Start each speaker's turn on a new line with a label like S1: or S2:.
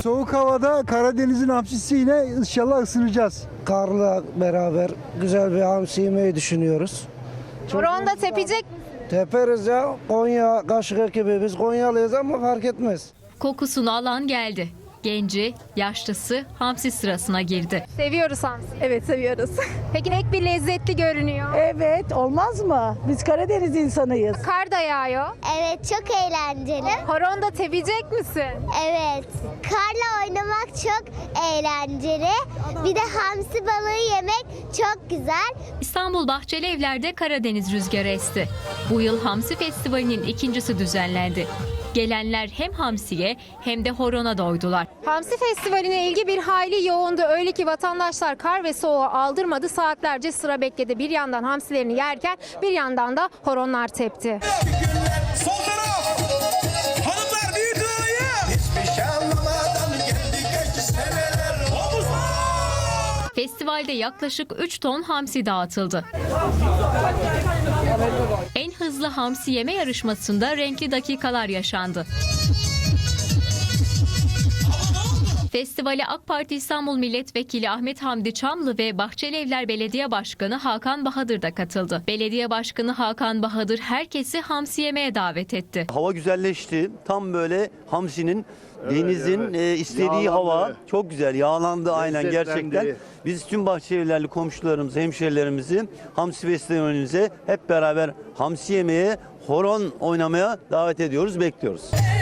S1: Soğuk havada Karadeniz'in hamsisiyle inşallah ısınacağız.
S2: Karla beraber güzel bir hamsi yemeyi düşünüyoruz.
S3: Horonda tepecek mi?
S2: Teperiz ya. Konya Kaşık ekibi. Biz Konyalıyız ama fark etmez.
S4: Kokusunu alan geldi. Genci, yaşlısı hamsi sırasına girdi.
S3: Seviyoruz hamsi.
S5: Evet, seviyoruz.
S3: Peki pek bir lezzetli görünüyor.
S5: Evet, olmaz mı? Biz Karadeniz insanıyız.
S3: Kar da yağıyor.
S6: Evet, çok eğlenceli.
S3: Horonda tepecek misin?
S6: Evet, karla oynamak çok eğlenceli. Bir de hamsi balığı yemek çok güzel.
S4: İstanbul Bahçeli Evler'de Karadeniz rüzgarı esti. Bu yıl Hamsi Festivali'nin ikincisi düzenlendi. Gelenler hem hamsiye hem de horona doydular.
S3: Hamsi Festivali'ne ilgi bir hayli yoğundu. Öyle ki vatandaşlar kar ve soğuğu aldırmadı. Saatlerce sıra bekledi. Bir yandan hamsilerini yerken bir yandan da horonlar tepti.
S7: Sol taraf. Hanımlar büyük ağaya. Hiçbir şey anlamadan geldi geçti seneler. Omuzlar.
S4: Festivalde yaklaşık 3 ton hamsi dağıtıldı. En hızlı hamsi yeme yarışmasında renkli dakikalar yaşandı. Festivale AK Parti İstanbul Milletvekili Ahmet Hamdi Çamlı ve Bahçelievler Belediye Başkanı Hakan Bahadır da katıldı. Belediye Başkanı Hakan Bahadır herkesi hamsi yemeye davet etti.
S8: Hava güzelleşti. Tam böyle hamsinin, denizin istediği hava. Çok güzel. Yağlandı aynen gerçekten. Biz tüm Bahçelievlerli komşularımızı, hemşehrilerimizi Hamsi Festivalimize hep beraber hamsi yemeye, horon oynamaya davet ediyoruz, bekliyoruz.